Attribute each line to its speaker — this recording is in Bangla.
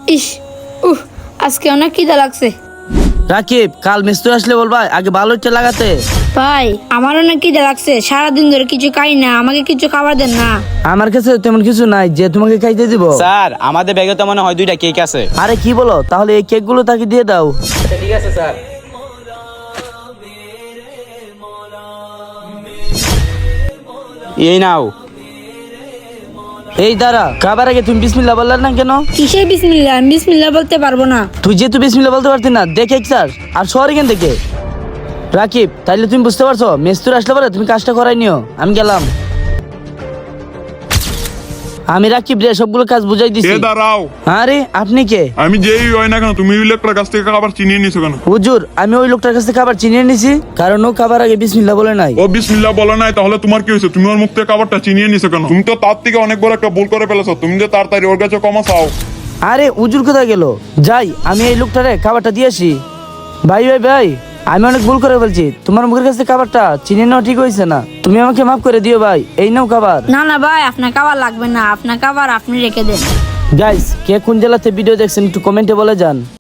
Speaker 1: ইস, আজকে অনেক খিদা লাগছে।
Speaker 2: রাকিব, কাল মিস্ত্রি আসলে বলবা আগে ভালো ইটটা লাগাতে।
Speaker 1: ভাই, আমার অনেক খিদা লাগছে, সারাদিন ধরে কিছু খাই না, আমাকে কিছু খাবার দেন না।
Speaker 2: আমার কাছে তেমন কিছু নাই যে তোমাকে খাইতে দিব।
Speaker 3: স্যার, আমাদের ব্যাগে তো মনে হয় 2টা কেক আছে।
Speaker 2: আরে কি বলো, তাহলে এই কেকগুলো তাকে দিয়ে দাও।
Speaker 3: ঠিক আছে স্যার। এই নাও।
Speaker 2: এই দাঁড়া, খাবার আগে তুমি বিসমিল্লাহ বললে না কেন?
Speaker 1: কিসে বিসমিল্লাহ? আমি বিসমিল্লাহ বলতে পারবো না।
Speaker 2: তুই যেহেতু বিসমিল্লাহ বলতে পারতি না, দেখে স্যার আর শহর এখান থেকে। রাকিব, তাইলে তুমি বুঝতে পারছো মিস্ত্রি আসলে পরে তুমি কাজটা করাই নিও। আমি গেলাম। আমি রাকিব রে সবগুলো কাজ বুঝাই দিছি।
Speaker 4: এ দাঁড়াও,
Speaker 2: আরে আপনি কে?
Speaker 4: আমি যেই হয় না কেন, তুমি ওই লোকটার কাছ থেকে খাবার চিনিয়ে নিছো কেন?
Speaker 2: হুজুর, আমি ওই লোকটার কাছে খাবার চিনিয়ে নিছি, কারণ ও খাবার আগে বিসমিল্লাহ বলে নাই।
Speaker 4: ও বিসমিল্লাহ বলে নাই, তাহলে তোমার কি হয়েছে? তুমি ওর মুখ থেকে খাবারটা চিনিয়ে নিছো কেন? তুমি তো তার থেকে অনেক বড় একটা ভুল করে ফেলেছো। তুমি যে তাড়াতাড়ি ওর কাছে ক্ষমা চাও।
Speaker 2: আরে হুজুর কোথায় গেল? যাই, আমি এই লোকটারে খাবারটা দিয়ে আসি। ভাই ভাই ভাই, আমি অনেক ভুল করে বলছি, তোমার মুখের কাছে খাবারটা চিনিয়ে নেওয়া ঠিক হয়েছে না, তুমি আমাকে মাফ করে দিও ভাই। এই নাও খাবার।
Speaker 1: না না ভাই, আপনার খাবার লাগবে না, আপনার খাবার আপনি রেখে দেন।
Speaker 2: গাইস, কে কোন জেলাতে ভিডিও দেখছেন একটু কমেন্টে বলে যান।